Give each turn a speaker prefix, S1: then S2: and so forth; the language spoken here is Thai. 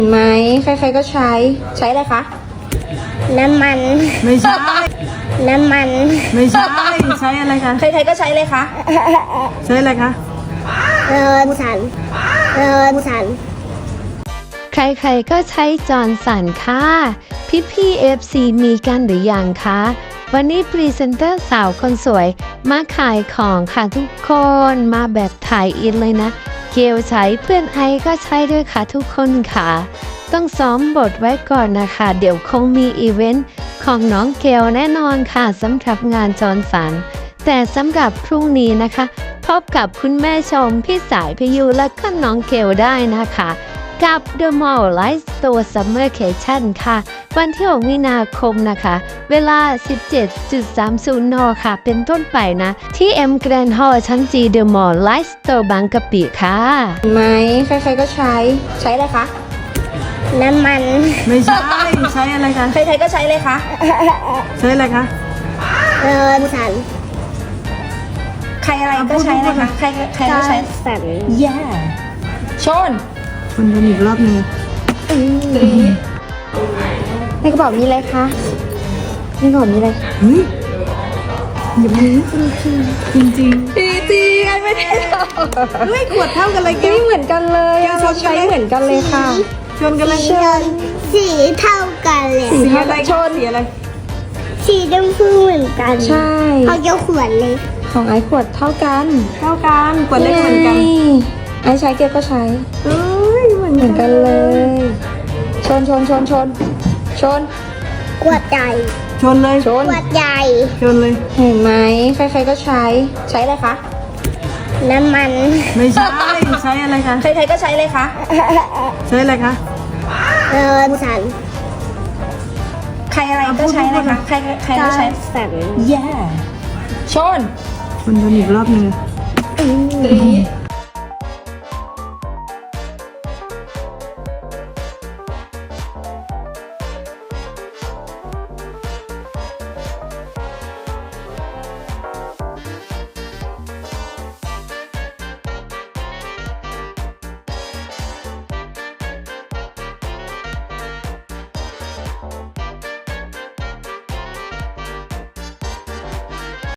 S1: เห็นไหมใครๆก็ใช้อะไรคะน้ำมัน
S2: ไม่ใช่
S1: น้ำมัน
S2: ไม่ใช่ใช้อะไรคะ
S1: ใครๆก็ใช้เลยคะ
S2: ใช้อะไรคะ
S1: เรินสัน
S3: ใครๆก็ใช้จอร์นสันค่ะพี่FC มีกันหรือยังคะวันนี้พรีเซนเตอร์สาวคนสวยมาขายของค่ะทุกคนมาแบบถ่ายอินเลยนะเกลใช้เพื่อนไอก็ใช้ด้วยค่ะทุกคนค่ะต้องซ้อมบทไว้ก่อนนะคะเดี๋ยวคงมีอีเวนต์ของน้องเกลแน่นอนค่ะสำหรับงานจอร์นสันแต่สำหรับพรุ่งนี้นะคะพบกับคุณแม่ชมพี่สายพยูและก็น้องเกลได้นะคะกับ The Mall Life Store Summercation ค่ะวันที่ 6 มีนาคมนะคะ เวลา 17.30 น. ค่ะ เป็นต้นไปนะ ที่ M Grand Hall ชั้น G The Mall Life Store บางกะปิค่ะ
S1: เห็นไหมใครๆก็ใช้อะไรคะน้ำมัน
S2: ไม่ใช่ใช้อะไรคะ
S1: ใครๆก็ใช้เลยคะ
S2: ใช้อะไรคะ
S1: เรินสันใครอะไรก็ใช้เลยคะใครก็ใช้สันแย่ชน
S2: คนกันอีกรอบนึง
S1: ในกระเป๋ามีอะไรคะในกระเป๋ามีอะไร
S2: เฮ้ยอย่ามาจริงจริง
S1: ไอ้ไม่ได้
S2: เฮ้ยขวดเท่ากันเลยแก
S1: เหมือนกันเลยเราใช้เหมือนกันเลยค่ะ
S2: ชนกันเลย
S4: สีเท่ากันเลย
S2: สีอะไรชนสีอะไร
S4: สีชมพูเหมือนกัน
S1: ใช่
S4: เขาจะขวดเลย
S1: ของไอ้ขวดเท่ากัน
S2: ขวดเล็กเหมือนกัน
S1: ไอ้ใช้เกลก็ใช้เหมือนกันเลยชน
S4: ขวดใหญ่
S2: ชนเลย
S4: ขวดใหญ่
S2: ชนเลย
S1: เห็นไหมใครๆก็ใช้อะไรคะ
S4: น้ำมัน
S2: ไม่ใช่ใช้อะไรคะ
S1: ใครๆก็ใช้เลยคะ
S2: ใช้อะไรคะ
S4: เรินสัน
S1: ใครอะไรก็ใช้เลยคะใครก็ใช้
S4: สัน
S1: แย่ชน
S2: กันอีกรอบนึง